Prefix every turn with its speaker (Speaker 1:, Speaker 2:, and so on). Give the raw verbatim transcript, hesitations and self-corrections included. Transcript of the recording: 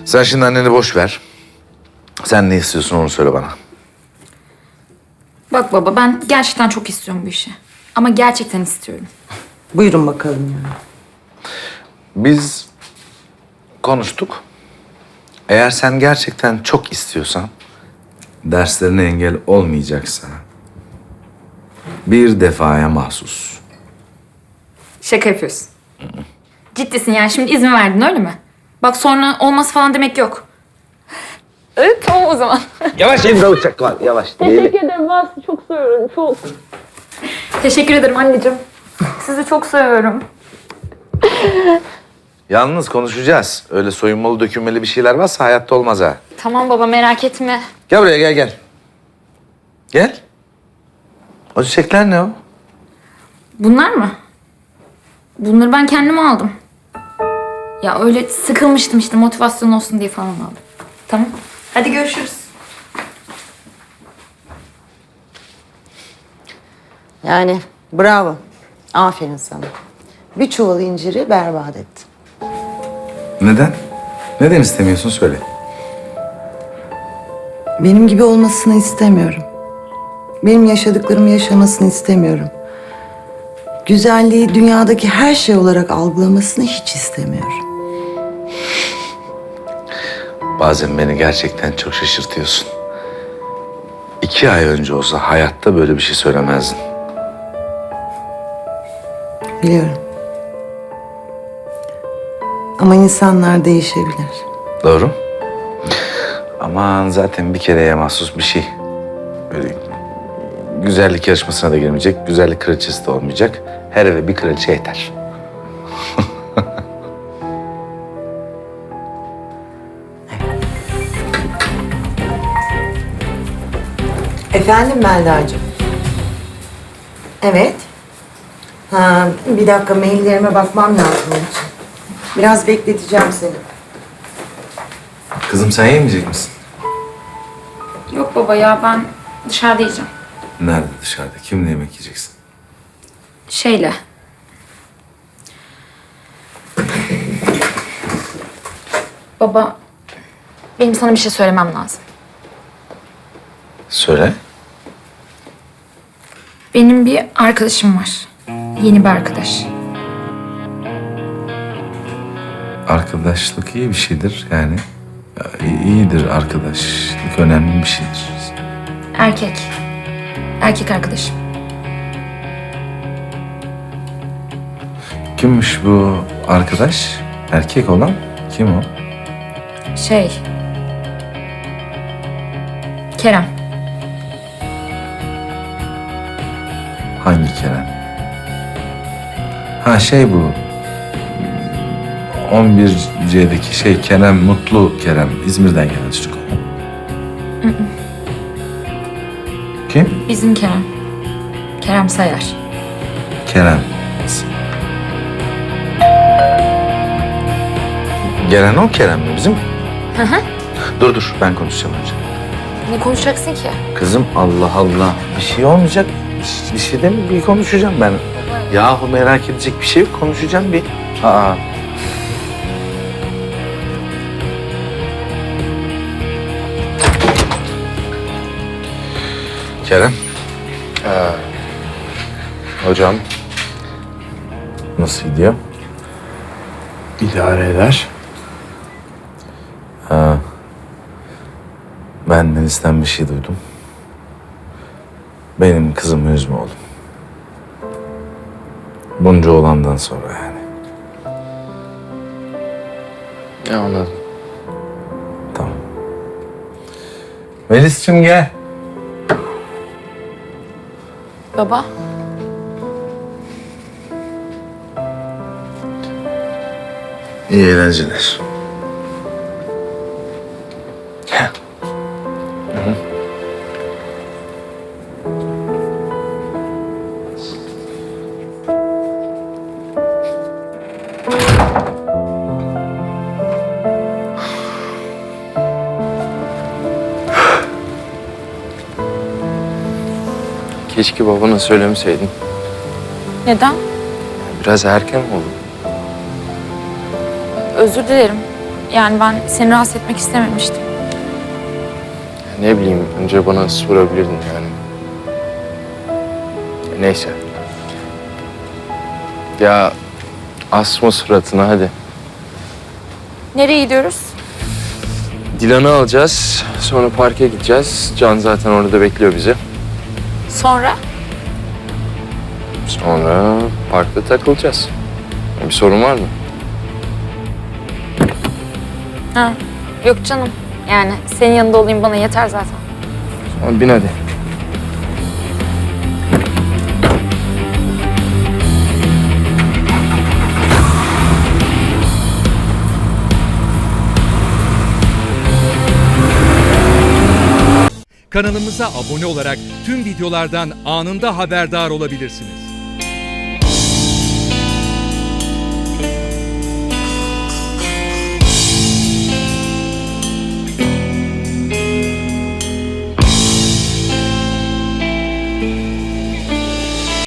Speaker 1: Sen şimdi anneni boş ver. Sen ne istiyorsun onu söyle bana.
Speaker 2: Bak baba, ben gerçekten çok istiyorum bu işi. Ama gerçekten istiyorum.
Speaker 3: Buyurun bakalım ya.
Speaker 1: Biz konuştuk. Eğer sen gerçekten çok istiyorsan, derslerine engel olmayacaksa, bir defaya mahsus.
Speaker 2: Şaka yapıyorsun. Ciddisin yani, şimdi izin verdin öyle mi? Bak sonra olmaz falan demek yok. Evet, tamam o zaman.
Speaker 1: Yavaş elinde uçak var, yavaş.
Speaker 4: Teşekkür ederim. Ben sizi çok seviyorum. Çok.
Speaker 2: Teşekkür ederim anneciğim. Sizi çok seviyorum.
Speaker 1: Yalnız konuşacağız. Öyle soyunmalı dökülmeli bir şeyler varsa hayatta olmaz ha.
Speaker 2: Tamam baba, merak etme.
Speaker 1: Gel buraya, gel gel. Gel. O çiçekler ne o?
Speaker 2: Bunlar mı? Bunları ben kendime aldım. Ya öyle sıkılmıştım işte, motivasyon olsun diye falan aldım. Tamam. Hadi görüşürüz.
Speaker 3: Yani bravo. Aferin sana. Bir çuval inciri berbat ettin.
Speaker 1: Neden? Neden istemiyorsun söyle.
Speaker 3: Benim gibi olmasını istemiyorum. Benim yaşadıklarımı yaşamasını istemiyorum. Güzelliği dünyadaki her şey olarak algılamasını hiç istemiyorum.
Speaker 1: Bazen beni gerçekten çok şaşırtıyorsun. İki ay önce olsa hayatta böyle bir şey söylemezdin.
Speaker 3: Biliyorum. Ama insanlar değişebilir.
Speaker 1: Doğru. Aman zaten bir kereye mahsus bir şey. Böyle güzellik yarışmasına da girmeyecek, güzellik kraliçesi de olmayacak. Her eve bir kraliçe yeter.
Speaker 3: Efendim Melda'cığım. Evet. Ha, bir dakika maillerime bakmam lazım onun için. Biraz bekleteceğim seni.
Speaker 1: Kızım sen yemeyecek misin?
Speaker 2: Yok baba ya, ben dışarıda yiyeceğim.
Speaker 1: Nerede dışarıda? Kimle yemek yiyeceksin?
Speaker 2: Şeyle. Baba, benim sana bir şey söylemem lazım.
Speaker 1: Söyle.
Speaker 2: Benim bir arkadaşım var. Yeni bir arkadaş.
Speaker 1: Arkadaşlık iyi bir şeydir yani. Ya, iyidir arkadaşlık, önemli bir şeydir.
Speaker 2: Erkek. Erkek arkadaşım.
Speaker 1: Kimmiş bu arkadaş? Erkek olan kim o?
Speaker 2: Şey. Kerem.
Speaker 1: Hangi Kerem? Ha şey bu. on bir C'deki şey Kerem, Mutlu Kerem. İzmir'den gelen çocuk. Kim?
Speaker 2: Bizim Kerem. Kerem Sayar.
Speaker 1: Kerem. Gelen o Kerem mi bizim?
Speaker 2: Hı hı.
Speaker 1: Dur dur ben konuşacağım önce.
Speaker 2: Ne konuşacaksın ki?
Speaker 1: Kızım Allah Allah. Bir şey olmayacak. Bir, bir şey de mi? Bir konuşacağım ben. Yahu merak edecek bir şey yok. Konuşacağım bir. Aa. Kerem.
Speaker 5: Ee, hocam
Speaker 1: Nasıl gidiyor?
Speaker 5: idare eder.
Speaker 1: Ha. Ben Deniz'den bir şey duydum. Benim kızımı üzme oğlum. Bunca olandan sonra yani.
Speaker 5: Ya anladım.
Speaker 1: Tamam. Melis'cim gel.
Speaker 2: Baba.
Speaker 1: İyi eğlenceler. Gel.
Speaker 5: Keşke babana söylemeseydin.
Speaker 2: Neden?
Speaker 5: Biraz erken oldu.
Speaker 2: Özür dilerim. Yani ben seni rahatsız etmek istememiştim.
Speaker 5: Ne bileyim, önce bana sorabilirdin yani. Neyse. Ya asma suratına hadi.
Speaker 2: Nereye gidiyoruz?
Speaker 5: Dilan'ı alacağız, sonra parka gideceğiz. Can zaten orada bekliyor bizi.
Speaker 2: Sonra?
Speaker 5: Sonra parkta takılacağız. Bir sorun var mı?
Speaker 2: Ha, yok canım. Yani senin yanında olayım bana yeter zaten.
Speaker 5: Tamam, bin hadi.
Speaker 6: Kanalımıza abone olarak tüm videolardan anında haberdar olabilirsiniz.